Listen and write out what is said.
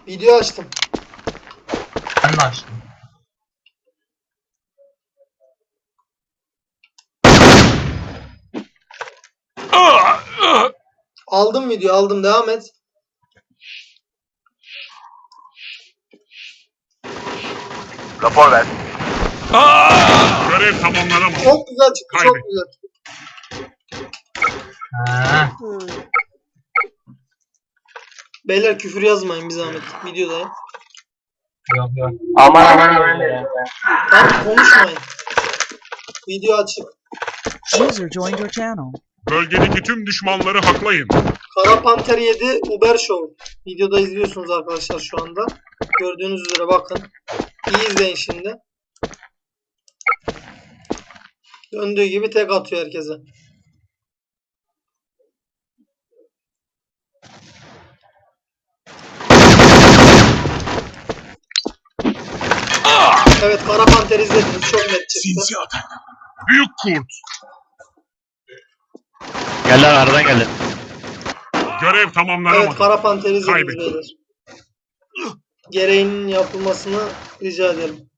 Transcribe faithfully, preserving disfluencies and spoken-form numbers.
Video açtım. Ben de açtım. Aldım video aldım. Devam et. Rapor ver. Görev tamamlanamadı. Çok güzel çıktı. Çok Kaybet. güzel. Ha. Beyler küfür yazmayın bir zahmet. Videodayım. Yok yok. Aman aman aman. Tamam konuşmayın. Video açık. User joined your channel. Bölgedeki tüm düşmanları haklayın. Kara Panter yedi Uber Show. Videoda izliyorsunuz arkadaşlar şu anda. Gördüğünüz üzere bakın. İyi izleyin şimdi. Döndüğü gibi tek atıyor herkese. Evet Kara Panter izlediniz. Çok net çıktı. Büyük kurt. Gel lan aradan geldi. Görev Evet tamamlanamadı. Kara Panter izlediniz Kaybettim. beyler. Gereğinin yapılmasını rica ederim.